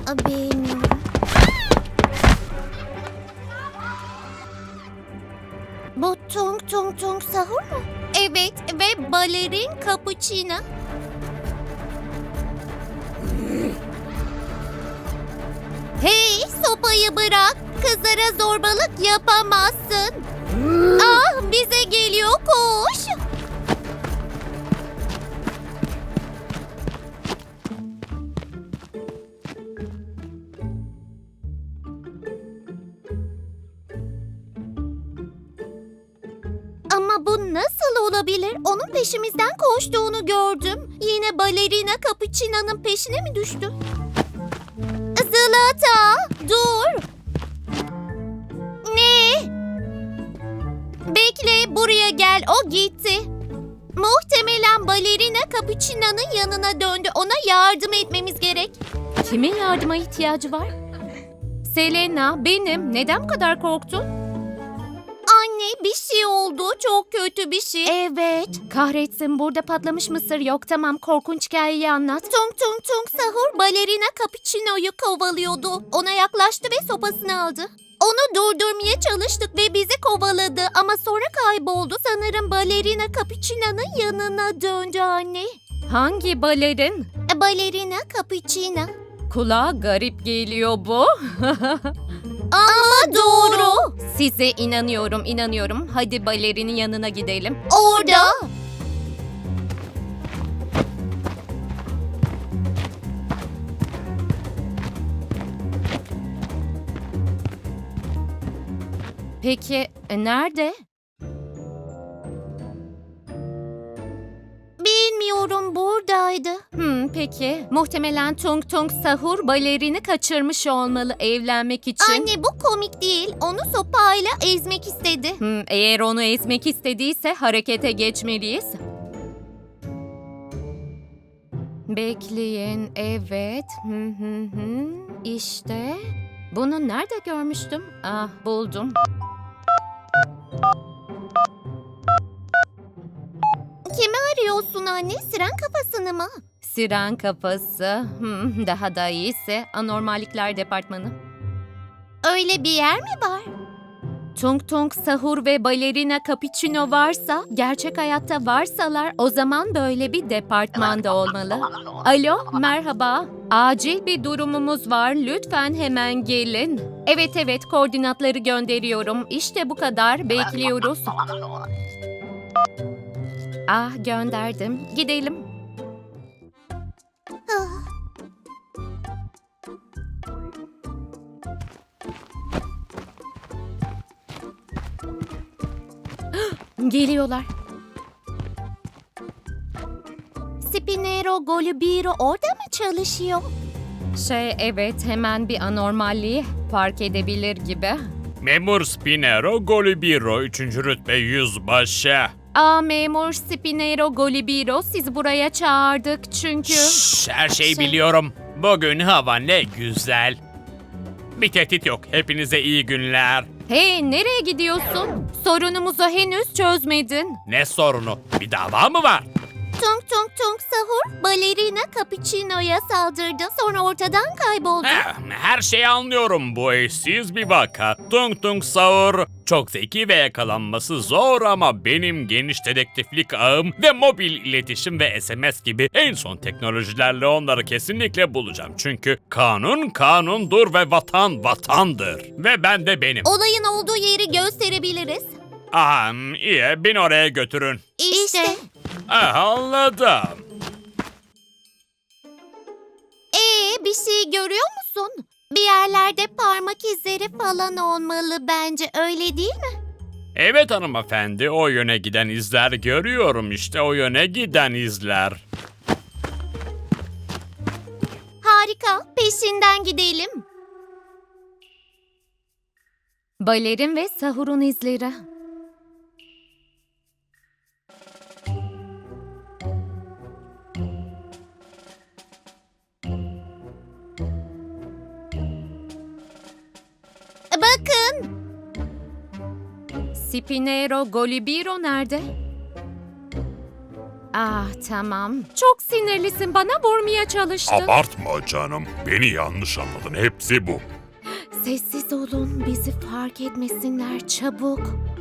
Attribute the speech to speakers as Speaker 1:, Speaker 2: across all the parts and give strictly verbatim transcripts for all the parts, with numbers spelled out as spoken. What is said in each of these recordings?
Speaker 1: Aa, bilmiyorum. Bu Tung Tung Tung Sahur mu? Evet ve balerin cappuccino. Hey, sopayı bırak. Kızlara zorbalık yapamazsın. Ah, bize geliyor, koş. Ama bu nasıl olabilir? Onun peşimizden koştuğunu gördüm. Yine balerina Capuchino'nun peşine mi düştü? Zılata, dur. Ne? Bekle, buraya gel. O gitti. Muhtemelen balerina Capuchino'nun yanına döndü. Ona yardım etmemiz gerek.
Speaker 2: Kimin yardıma ihtiyacı var? Selena, benim. Neden bu kadar korktun?
Speaker 1: Anne, bir şey oldu. Çok kötü bir şey. Evet.
Speaker 2: Kahretsin, burada patlamış mısır yok. Tamam, korkunç hikayeyi anlat.
Speaker 1: Tung Tung Tung Sahur balerina Capuchino'yu kovalıyordu. Ona yaklaştı ve sopasını aldı. Onu durdurmaya çalıştık ve bizi kovaladı ama sonra kayboldu. Sanırım balerina Capuchino'nun yanına döndü anne.
Speaker 2: Hangi balerin?
Speaker 1: E, Balerina Capuchino.
Speaker 2: Kulağa garip geliyor bu.
Speaker 1: Ama doğru.
Speaker 2: Size inanıyorum, inanıyorum. Hadi balerinin yanına gidelim.
Speaker 1: Orada.
Speaker 2: Peki, e, nerede?
Speaker 1: Bilmiyorum, buradaydı.
Speaker 2: Hmm, peki. Muhtemelen Tung Tung Sahur balerini kaçırmış olmalı evlenmek için.
Speaker 1: Anne, bu komik değil. Onu sopayla ezmek istedi.
Speaker 2: Hmm, eğer onu ezmek istediyse harekete geçmeliyiz. Bekleyin, evet. Hı hı hı. İşte. Bunu nerede görmüştüm? Ah, buldum.
Speaker 1: Kimi arıyorsun anne? Siren kafasını mı?
Speaker 2: Siren kafası. Hmm, daha da iyisi anormallikler departmanı.
Speaker 1: Öyle bir yer mi var?
Speaker 2: Tung Tung Sahur ve balerina Capuchino varsa, gerçek hayatta varsalar o zaman böyle bir departmanda olmalı. Alo, merhaba. Acil bir durumumuz var. Lütfen hemen gelin. Evet evet, koordinatları gönderiyorum. İşte bu kadar. Bekliyoruz. Ah, gönderdim. Gidelim.
Speaker 1: Ah,
Speaker 2: Geliyorlar.
Speaker 1: Spinero Golubiro orada mı çalışıyor?
Speaker 2: Şey, evet, hemen bir anormalliği fark edebilir gibi.
Speaker 3: Memur Spinero Golubiro üçüncü rütbe yüzbaşı.
Speaker 2: Aa, memur Spinero Golibiro, sizi buraya çağırdık çünkü...
Speaker 3: Şşş, her şeyi
Speaker 2: Şey-
Speaker 3: biliyorum. Bugün hava ne güzel. Bir tehdit yok. Hepinize iyi günler.
Speaker 2: Hey, nereye gidiyorsun? Sorunumuzu henüz çözmedin.
Speaker 3: Ne sorunu? Bir dava mı var?
Speaker 1: Tung Tung Tung Sahur balerina Capuchino'ya saldırdı. Sonra ortadan kayboldu.
Speaker 3: Heh, her şeyi anlıyorum. Bu eşsiz bir vaka. Tung Tung Saur çok zeki ve yakalanması zor ama benim geniş dedektiflik ağım ve mobil iletişim ve S M S gibi en son teknolojilerle onları kesinlikle bulacağım. Çünkü kanun kanundur ve vatan vatandır. Ve ben de benim.
Speaker 1: Olayın olduğu yeri gösterebiliriz.
Speaker 3: Aha, iyi, beni oraya götürün.
Speaker 1: İşte.
Speaker 3: Ah, anladım.
Speaker 1: Ee, bir şey görüyor musun? Bir yerlerde parmak izleri falan olmalı bence, öyle değil mi?
Speaker 3: Evet hanımefendi, o yöne giden izler görüyorum, işte o yöne giden izler.
Speaker 1: Harika, peşinden gidelim.
Speaker 2: Balerin ve Sahur'un izleri.
Speaker 1: Bakın,
Speaker 2: Spinero Golibiro nerede? Ah tamam. Çok sinirlisin. Bana vurmaya çalıştın.
Speaker 4: Abartma canım. Beni yanlış anladın. Hepsi bu.
Speaker 2: Sessiz olun. Bizi fark etmesinler çabuk.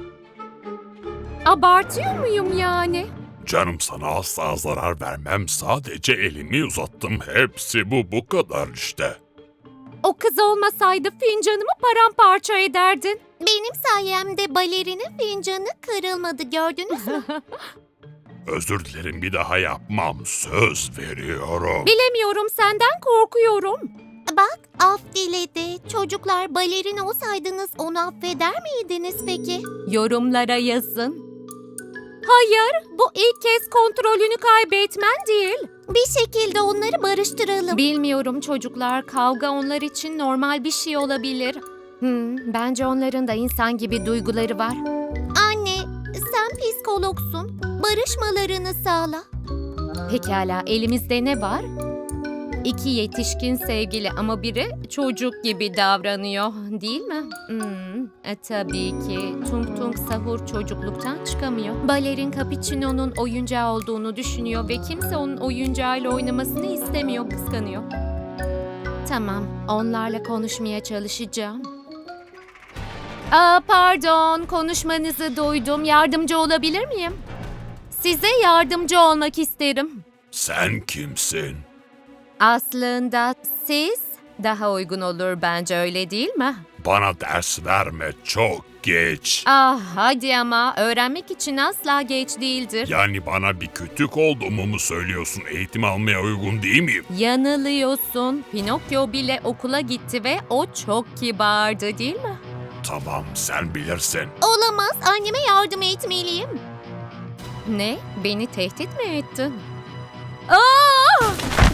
Speaker 2: Abartıyor muyum yani?
Speaker 4: Canım sana asla zarar vermem. Sadece elimi uzattım. Hepsi bu. Bu kadar işte.
Speaker 2: O kız olmasaydı fincanımı paramparça ederdin.
Speaker 1: Benim sayemde balerinin fincanı kırılmadı, gördünüz mü?
Speaker 4: Özür dilerim, bir daha yapmam. Söz veriyorum.
Speaker 2: Bilemiyorum, senden korkuyorum.
Speaker 1: Bak, af diledi. Çocuklar, balerin olsaydınız onu affeder miydiniz peki?
Speaker 2: Yorumlara yazın. Hayır, bu ilk kez kontrolünü kaybetmen değil.
Speaker 1: Bir şekilde onları barıştıralım.
Speaker 2: Bilmiyorum çocuklar, kavga onlar için normal bir şey olabilir. Hmm, bence onların da insan gibi duyguları var.
Speaker 1: Anne, sen psikologsun. Barışmalarını sağla.
Speaker 2: Pekala, elimizde ne var? İki yetişkin sevgili ama biri çocuk gibi davranıyor, değil mi? Hmm, e, tabii ki. Tung Tung Sahur çocukluktan çıkamıyor. Balerin Capuchino'nun oyuncağı olduğunu düşünüyor ve kimse onun oyuncağıyla oynamasını istemiyor, kıskanıyor. Tamam, onlarla konuşmaya çalışacağım. Aa, pardon, konuşmanızı duydum. Yardımcı olabilir miyim? Size yardımcı olmak isterim.
Speaker 4: Sen kimsin?
Speaker 2: Aslında siz daha uygun olur bence, öyle değil mi?
Speaker 4: Bana ders verme, çok geç.
Speaker 2: Ah hadi ama öğrenmek için asla geç değildir.
Speaker 4: Yani bana bir kütük olduğumu mu söylüyorsun? Eğitim almaya uygun değil miyim?
Speaker 2: Yanılıyorsun. Pinokyo bile okula gitti ve o çok kibardı, değil mi?
Speaker 4: Tamam, sen bilirsin.
Speaker 1: Olamaz, anneme yardım etmeliyim.
Speaker 2: Ne? Beni tehdit mi ettin? Aa!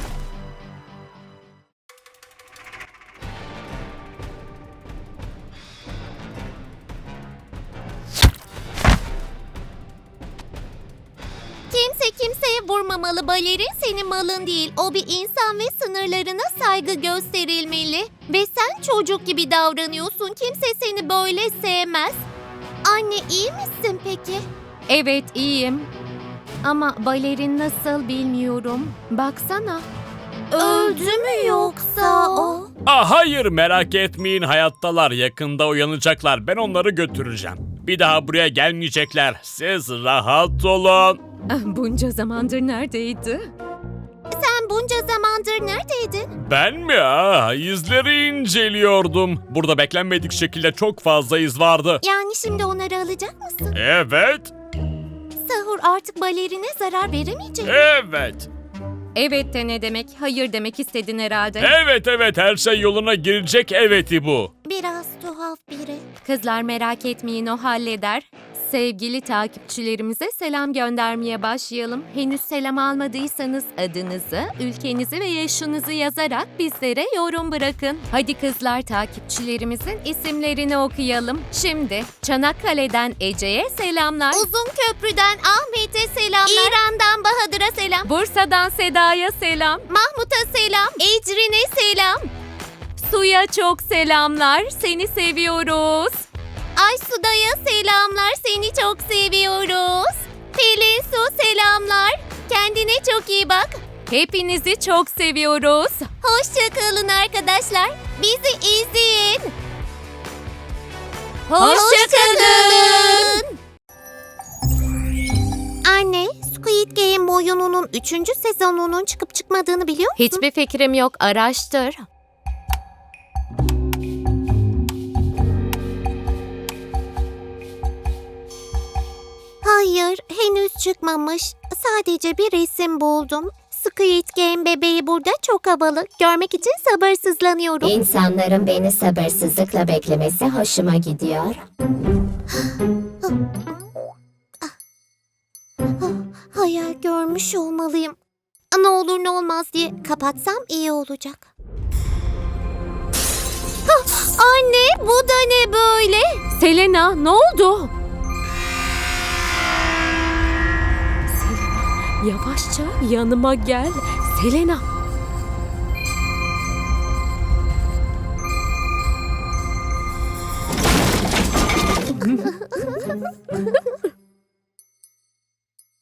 Speaker 1: Kimse kimseye vurmamalı. Balerin senin malın değil. O bir insan ve sınırlarına saygı gösterilmeli. Ve sen çocuk gibi davranıyorsun. Kimse seni böyle sevmez. Anne, iyi misin peki?
Speaker 2: Evet, iyiyim. Ama balerin nasıl bilmiyorum. Baksana.
Speaker 1: Öldü mü yoksa o?
Speaker 3: Ah hayır, merak etmeyin, hayattalar, yakında uyanacaklar, ben onları götüreceğim. Bir daha buraya gelmeyecekler, siz rahat olun.
Speaker 2: Ah, bunca zamandır neredeydi?
Speaker 1: Sen bunca zamandır neredeydin?
Speaker 3: Ben mi? Ah, izleri inceliyordum. Burada beklenmedik şekilde çok fazla iz vardı.
Speaker 1: Yani şimdi onları alacak mısın?
Speaker 3: Evet,
Speaker 1: Sahur artık balerine zarar veremeyecek.
Speaker 3: evet,
Speaker 2: Evet de ne demek? Hayır demek istedin herhalde.
Speaker 3: evet, evet, her şey yoluna girecek, eveti bu.
Speaker 1: Biraz tuhaf biri.
Speaker 2: Kızlar merak etmeyin, o halleder. Sevgili takipçilerimize selam göndermeye başlayalım. Henüz selam almadıysanız adınızı, ülkenizi ve yaşınızı yazarak bizlere yorum bırakın. Hadi kızlar, takipçilerimizin isimlerini okuyalım. Şimdi Çanakkale'den Ece'ye selamlar.
Speaker 1: Uzun Köprü'den Ahmet'e selamlar. İran'dan Bahadır'a selam.
Speaker 2: Bursa'dan Seda'ya selam.
Speaker 1: Mahmut'a selam. Ecrin'e selam.
Speaker 2: Su'ya çok selamlar. Seni seviyoruz.
Speaker 1: Aysu'da'ya selamlar. Seni çok seviyoruz. Pelin Su selamlar. Kendine çok iyi bak.
Speaker 2: Hepinizi çok seviyoruz.
Speaker 1: Hoşça kalın arkadaşlar. Bizi izleyin.
Speaker 2: Hoşça kalın.
Speaker 1: Anne, Squid Game oyununun üçüncü sezonunun çıkıp çıkmadığını biliyor musun?
Speaker 2: Hiçbir fikrim yok. Araştır.
Speaker 1: Hayır, henüz çıkmamış. Sadece bir resim buldum. Squid Game bebeği burada çok havalı. Görmek için sabırsızlanıyorum.
Speaker 5: İnsanların beni sabırsızlıkla beklemesi hoşuma gidiyor.
Speaker 1: Hayal görmüş olmalıyım. Ne olur ne olmaz diye kapatsam iyi olacak. Hah, anne, bu da ne böyle?
Speaker 2: Selena, ne oldu? Selena, yavaşça yanıma gel. Selena.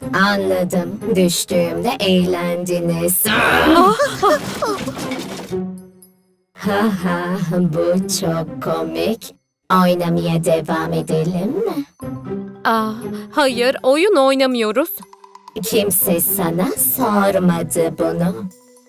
Speaker 5: Anladım. Düştüğümde eğlendiniz. Ha ha, bu çok komik. Oynamaya devam edelim mi?
Speaker 2: Ah, hayır, oyun oynamıyoruz.
Speaker 5: Kimse sana sormadı bunu.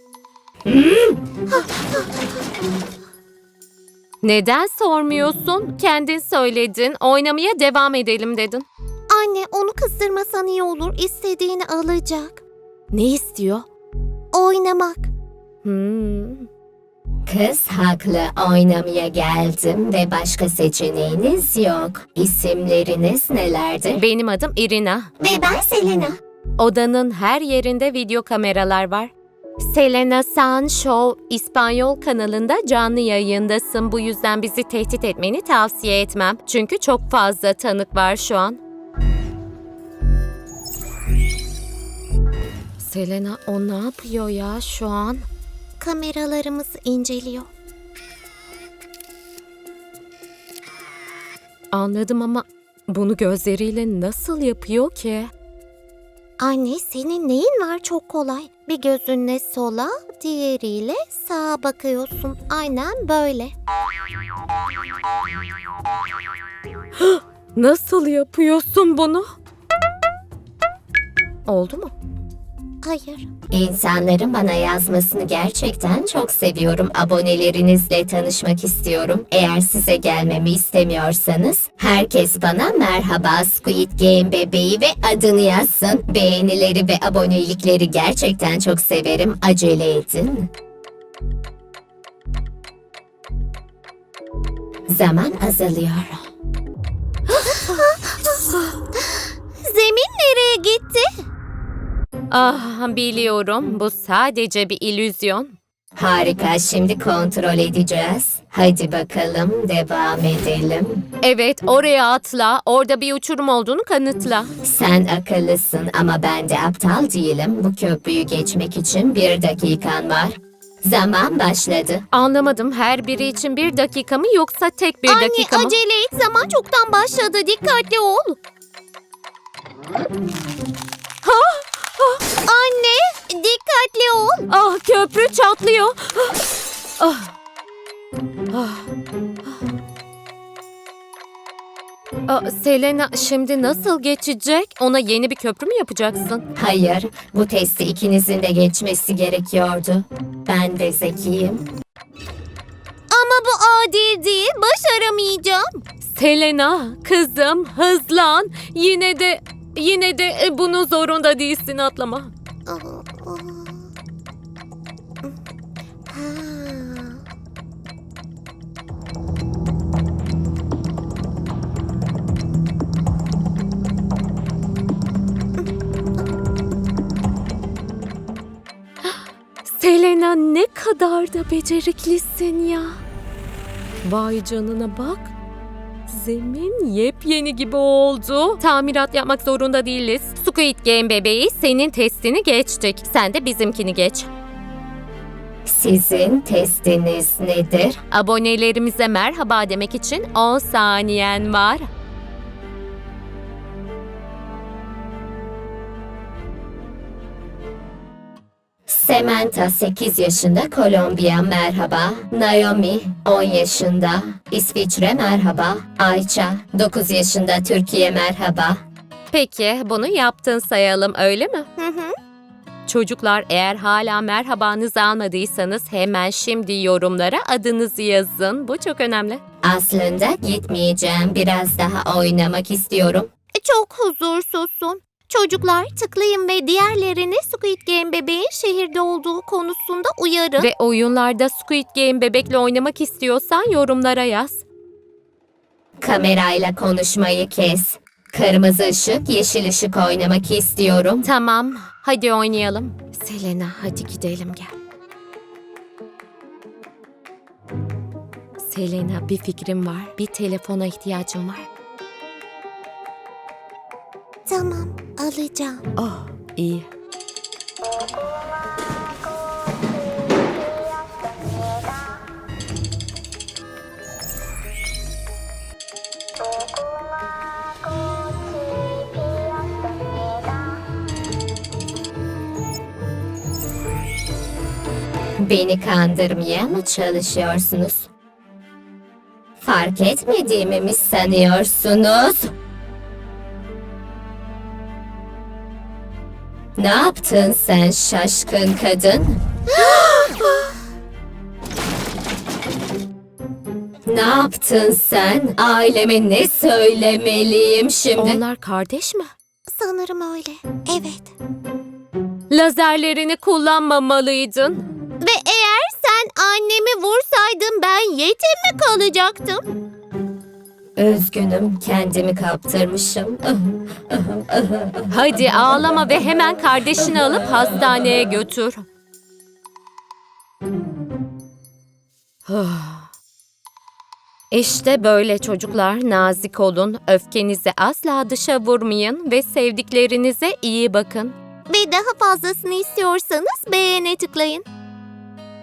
Speaker 2: Neden sormuyorsun? Kendin söyledin, oynamaya devam edelim dedin.
Speaker 1: Anne, onu kızdırmasan iyi olur. İstediğini alacak.
Speaker 2: Ne istiyor?
Speaker 1: Oynamak.
Speaker 2: Hmm.
Speaker 5: Kız haklı, oynamaya geldim ve başka seçeneğiniz yok. İsimleriniz nelerdir?
Speaker 2: Benim adım Irina.
Speaker 5: Ve ben Selena.
Speaker 2: Odanın her yerinde video kameralar var. Selena San Show İspanyol kanalında canlı yayındasın. Bu yüzden bizi tehdit etmeni tavsiye etmem. Çünkü çok fazla tanık var şu an. Selena, o ne yapıyor ya şu an?
Speaker 1: Kameralarımızı inceliyor.
Speaker 2: Anladım ama bunu gözleriyle nasıl yapıyor ki?
Speaker 1: Anne, senin neyin var? Çok kolay. Bir gözünle sola, diğeriyle sağa bakıyorsun. Aynen böyle.
Speaker 2: Nasıl yapıyorsun bunu? Oldu mu?
Speaker 1: Hayır.
Speaker 5: İnsanların bana yazmasını gerçekten çok seviyorum. Abonelerinizle tanışmak istiyorum. Eğer size gelmemi istemiyorsanız herkes bana merhaba Squid Game bebeği ve adını yazsın. Beğenileri ve abonelikleri gerçekten çok severim. Acele edin. Zaman azalıyor.
Speaker 1: Zemin nereye gitti?
Speaker 2: Ah, biliyorum. Bu sadece bir illüzyon.
Speaker 5: Harika, şimdi kontrol edeceğiz. Hadi bakalım, devam edelim.
Speaker 2: Evet, oraya atla. Orada bir uçurum olduğunu kanıtla.
Speaker 5: Sen akıllısın ama ben de aptal değilim. Bu köprüyü geçmek için bir dakikan var. Zaman başladı.
Speaker 2: Anlamadım. Her biri için bir dakika mı yoksa tek bir
Speaker 1: Anne,
Speaker 2: dakika mı?
Speaker 1: acele et. Zaman çoktan başladı. Dikkatli ol. Anne, dikkatli ol.
Speaker 2: Ah, köprü çatlıyor. Ah. Ah. Ah, Selena, şimdi nasıl geçecek? Ona yeni bir köprü mü yapacaksın?
Speaker 5: Hayır, bu testi ikinizin de geçmesi gerekiyordu. Ben de zekiyim.
Speaker 1: Ama bu adil değil. Başaramayacağım.
Speaker 2: Selena, kızım, hızlan. Yine de yine de e, bunu zorunda değilsin, atlama.
Speaker 1: Ha.
Speaker 2: Selena, ne kadar da beceriklisin ya. Vay canına bak. Zemin yepyeni gibi oldu. Tamirat yapmak zorunda değiliz. Squid Game bebeği, senin testini geçtik. Sen de bizimkini geç.
Speaker 5: Sizin testiniz nedir?
Speaker 2: Abonelerimize merhaba demek için on saniyen var.
Speaker 5: Samantha sekiz yaşında, Kolombiya merhaba. Naomi on yaşında, İsviçre merhaba. Ayça dokuz yaşında, Türkiye merhaba.
Speaker 2: Peki, bunu yaptın sayalım, öyle mi?
Speaker 1: Hı hı.
Speaker 2: Çocuklar, eğer hala merhabanızı almadıysanız hemen şimdi yorumlara adınızı yazın. Bu çok önemli.
Speaker 5: Aslında gitmeyeceğim. Biraz daha oynamak istiyorum.
Speaker 1: Çok huzursuzsun. Çocuklar, tıklayın ve diğerlerini Squid Game bebeğin şehirde olduğu konusunda uyarın.
Speaker 2: Ve oyunlarda Squid Game bebekle oynamak istiyorsan yorumlara yaz.
Speaker 5: Kamerayla konuşmayı kes. Kırmızı ışık, yeşil ışık oynamak istiyorum.
Speaker 2: Tamam, hadi oynayalım. Selena, hadi gidelim gel. Selena, bir fikrim var. Bir telefona ihtiyacım var.
Speaker 1: Tamam, alacağım.
Speaker 2: Oh, iyi.
Speaker 5: Beni kandırmaya mı çalışıyorsunuz? Fark etmediğimi mi sanıyorsunuz? Ne yaptın sen şaşkın kadın? Ne yaptın sen? Aileme ne söylemeliyim şimdi?
Speaker 2: Onlar kardeş mi?
Speaker 1: Sanırım öyle. Evet.
Speaker 2: Lazerlerini kullanmamalıydın.
Speaker 1: Ve eğer sen annemi vursaydın ben yetim mi kalacaktım?
Speaker 5: Üzgünüm, kendimi kaptırmışım.
Speaker 2: Hadi ağlama ve hemen kardeşini alıp hastaneye götür. İşte böyle çocuklar, nazik olun, öfkenizi asla dışa vurmayın ve sevdiklerinize iyi bakın.
Speaker 1: Ve daha fazlasını istiyorsanız beğene tıklayın.